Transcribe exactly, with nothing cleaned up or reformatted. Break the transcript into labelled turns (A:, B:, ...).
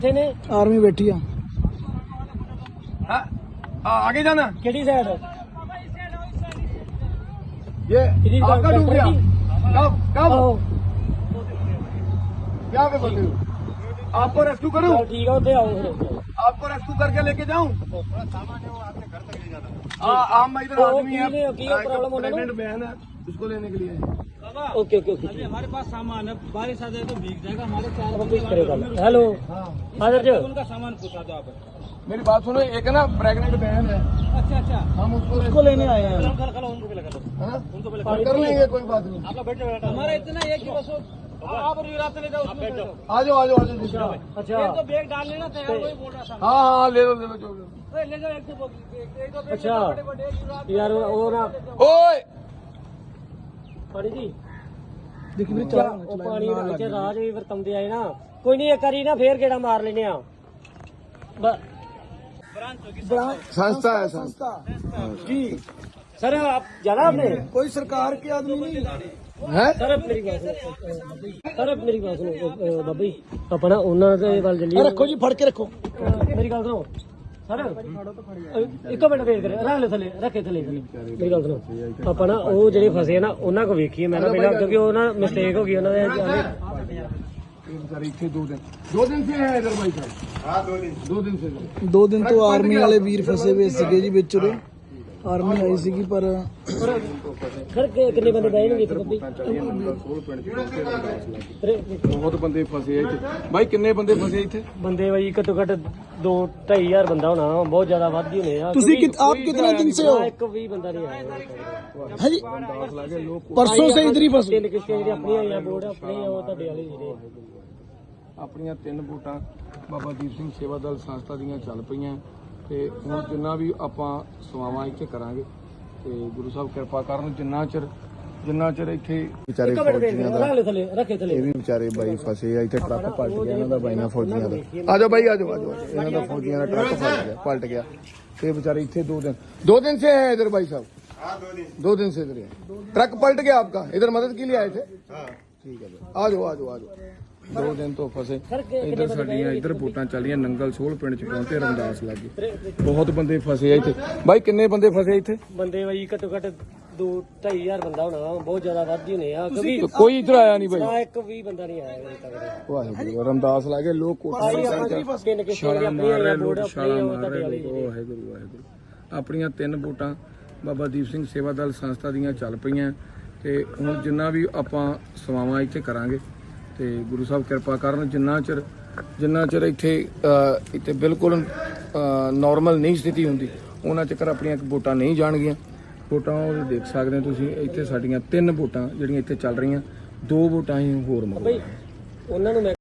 A: ने
B: आर्मी बैठी है।
C: हाँ, आगे जाना।
A: केड़ी साइड
C: ये आपका डूब गया कब कब क्या पे बोलते हो? आपको रेस्क्यू करूं?
A: ठीक है उधर आओ फिर
C: आपको रेस्क्यू करके लेके जाऊं? हाँ आम इधर आदमी है, प्रेग्नेंट बहन है, उसको लेने के लिए।
A: ओके ओके ओके
D: हमारे पास सामान है, बारिश आ जाए तो भीग जाएगा। हमारे चार
A: हेलो हाजिर जो
D: उनका सामान पूछा दो आप।
C: मेरी बात सुनो, एक ना प्रेग्नेंट बहन है,
D: अच्छा अच्छा,
C: हम उसको
B: उसको लेने आए हैं।
D: कल कल उनको भी लगा दो,
C: हाँ?
D: उनको भी
C: हम कर लेंगे, कोई बात नहीं।
D: आप लोग बैठ जाओ। हमारा इतना है कि बस आप रात ले जाओ, बैठ जाओ।
C: आ जाओ आ जाओ आ जाओ।
A: अच्छा
D: एक तो बैग डाल लेना तैयार, वही बोल रहा था।
C: हाँ हाँ ले लो ले लो जो लो।
D: अरे ले जाओ, एक दो एक दो बैग
A: अच्छा
D: बड़े बड़े
A: यार वो ना
C: ओए
A: पानी जी
B: देखिए मेरे
A: क्या ਉਹ ਪਾਣੀ ਦੇ ਵਿੱਚ ਰਾਜ ਵੀ ਵਰਤੰਦੇ ਆਏ ਨਾ ਕੋਈ ਨਹੀਂ ਇੱਕ ਵਾਰੀ ਨਾ ਫੇਰ ਗੇੜਾ ਮਾਰ ਲੈਨੇ ਆ
C: संस्था है संस्था।
A: जी सर आप जाना आपने
B: कोई सरकार के आदमी नहीं
C: है
A: सर मेरी बात सुनो सर मेरी बात सुनो ਬਾਬਾ ਜੀ ਆਪਾਂ ਨਾ ਉਹਨਾਂ ਦੇ ਵੱਲ ਚੱਲੀਏ
B: रखो जी, फड़ के रखो।
A: ਮੇਰੀ ਗੱਲ ਸੁਣੋ ਸਰ ਇੱਕ ਮਿੰਟ ਵੇਟ ਕਰੇ ਰੱਖ ਲੈ ਥੱਲੇ ਰੱਖੇ ਥੱਲੇ ਥੱਲੇ ਮੇਰੀ ਗੱਲ ਸੁਣੋ ਆਪਾਂ ਨਾ ਉਹ ਜਿਹੜੇ ਫਸੇ ਆ ਨਾ ਉਹਨਾਂ ਕੋ ਵੇਖੀਏ ਮੈਂ ਨਾ ਪਹਿਲਾਂ ਕਿਉਂਕਿ ਉਹ ਨਾ ਮਿਸਟੇਕ ਹੋ ਗਈ ਉਹਨਾਂ ਦੇ
C: बेचारे इतने दो दिन दो दिन से है इधर भाई साहब। हाँ दो दिन दो दिन से
B: दो दिन तो आर्मी वाले वीर फसे हुए सीगे जी विच उरे। आर्मी आई सीगी पर
A: ਸਰ ਕਿੰਨੇ ਬੰਦੇ ਬਹਿ ਜਾਣਗੇ ਇੱਥੇ ਬੱਬੀ
C: बहुत बंदे फसे है इत्थे। भाई किन्ने बंदे फसे इत्थे?
A: ਬੰਦੇ ਬਾਈ ਘੱਟੋ ਘੱਟ ਦੋ ਢਾਈ ਹਜ਼ਾਰ ਬੰਦਾ ਹੋਣਾ ਬਹੁਤ ਜ਼ਿਆਦਾ ਵੱਧ ਹੀ ਹੋਣੇ ਆ
B: तुसी कित, आप कितने दिन से हो?
A: ਨਾ ਇੱਕ ਵੀ ਬੰਦਾ ਨਹੀਂ ਆਇਆ
B: है जी, परसों से इधर ही फसे।
A: ਤਿੰਨ ਕਿਸ਼ਤੀਆਂ ਜਿਹੜੀਆਂ ਆਪਣੀਆਂ ਆਈਆਂ ਬੋਰਡ ਆਪਣੇ ਉਹ ਤੁਹਾਡੇ ਵਾਲੇ ਜਿਹੜੇ
C: ਆਪਣੀਆਂ ਤਿੰਨ ਵੋਟਾਂ ਬਾਬਾ ਦੀਪ ਸਿੰਘ ਸੇਵਾ ਦਲ ਸੰਸਥਾ ਦੀਆਂ ਚੱਲ ਪਈਆਂ ਤੇ ਹੁਣ ਜਿੰਨਾ ਵੀ ਆਪਾਂ ਸੇਵਾਵਾਂ ਇੱਥੇ ਕਰਾਂਗੇ ਤੇ ਗੁਰੂ ਸਾਹਿਬ ਕਿਰਪਾ ਕਰਨ ਜਿੰਨਾ ਚਿਰ ਜਿੰਨਾ ਚਿਰ ਇੱਥੇ ਵਿਚਾਰੇ ਫੌਜੀਆਂ ਦਾ
A: ਰੱਖ ਲੈ ਥੱਲੇ ਰੱਖੇ ਥੱਲੇ
C: ਇਹ ਵੀ ਵਿਚਾਰੇ ਬਾਈ ਫਸੇ ਆ ਇੱਥੇ ਟਰੱਕ ਪਲਟ ਗਿਆ ਇਹਨਾਂ ਦਾ ਬਾਈਆਂ ਫੌਜੀਆਂ ਦਾ ਆ ਜਾਓ ਬਾਈ ਆ ਜਾਓ ਆ ਜਾਓ ਇਹਨਾਂ ਦਾ ਫੌਜੀਆਂ ਦਾ ਟਰੱਕ ਪਲਟ ਗਿਆ ਪਲਟ ਗਿਆ ਤੇ ਵਿਚਾਰੇ ਇੱਥੇ ਦੋ ਦਿਨ दो दिन से है इधर भाई साहब। हाँ दो दिन दो दिन से इधर है। ट्रक पलट गया आपका, इधर मदद के लिए आए थे। हाँ ठीक है आ जाओ आ जाओ आ जाओ। दो दिन तो फसे इधर साडियां इधर वोटां ਚੱਲੀਆਂ ਨੰਗਲ ਸੋਲ ਪਿੰਡ ਚ ਪਹੁੰਚੇ ਰਮਦਾਸ ਲੱਗੇ ਬਹੁਤ ਬੰਦੇ ਫਸੇ ਆ ਇੱਥੇ। ਬਾਈ ਕਿੰਨੇ ਬੰਦੇ ਫਸੇ ਇੱਥੇ?
A: ਬੰਦੇ ਬਾਈ ਘੱਟੋ ਘੱਟ ਦੋ ਢਾਈ ਹਜ਼ਾਰ ਬੰਦਾ ਹੋਣਾ ਬਹੁਤ ਜ਼ਿਆਦਾ ਵੱਧ ਹੀ ਹੋਣੇ ਆ ਕਿਉਂਕਿ
C: ਕੋਈ ਇੱਧਰ ਆਇਆ ਨਹੀਂ ਬਾਈ,
A: ਨਾ ਇੱਕ ਵੀ ਬੰਦਾ ਨਹੀਂ ਆਇਆ ਅਜੇ ਤੱਕ
C: ਵਾਹਿਗੁਰੂ ਰਮਦਾਸ ਲੱਗੇ ਲੋਕ ਕੋਠਾ
A: ਤਿੰਨ ਕਿਸ਼ਤੀਆਂ ਜਿਹੜੀਆਂ ਆਪਣੀਆਂ ਆਈਆਂ ਬੋਰਡ ਆਪਣੇ ਉਹ ਤੁਹਾਡੇ ਵਾਲੇ ਜਿਹੜੇ
C: ਵਾਹਿਗੁਰੂ ਵਾਹਿਗੁਰੂ। ਆਪਣੀਆਂ ਤਿੰਨ ਵੋਟਾਂ ਬਾਬਾ ਦੀਪ ਸਿੰਘ ਸੇਵਾ ਦਲ ਸੰਸਥਾ ਦੀਆਂ ਚੱਲ ਪਈਆਂ ਤੇ ਹੁਣ ਜਿੰਨਾ ਵੀ ਆਪਾਂ ਸੇਵਾਵਾਂ ਇੱਥੇ ਕਰਾਂਗੇ ਤੇ ਗੁਰੂ ਸਾਹਿਬ ਕਿਰਪਾ ਕਰਨ ਜਿੰਨਾ ਚਿਰ ਜਿੰਨਾ ਚਿਰ ਇੱਥੇ ਇੱਥੇ ਬਿਲਕੁਲ ਨਾਰਮਲ ਨਹੀਂ ਸਥਿਤੀ ਹੁੰਦੀ ਉਹਨਾਂ ਚਿਰ ਆਪਣੀਆਂ ਵੋਟਾਂ ਨਹੀਂ ਜਾਣਗੀਆਂ। ਵੋਟਾਂ ਉਹ ਦੇਖ ਸਕਦੇ ਹੋ ਤੁਸੀਂ ਇੱਥੇ ਸਾਡੀਆਂ ਤਿੰਨ ਵੋਟਾਂ ਜਿਹੜੀਆਂ ਇੱਥੇ ਚੱਲ ਰਹੀਆਂ, ਦੋ ਵੋਟਾਂ ਹੀ ਹੋਰ ਮੰਗੋ
A: ਉਹਨਾਂ ਨੂੰ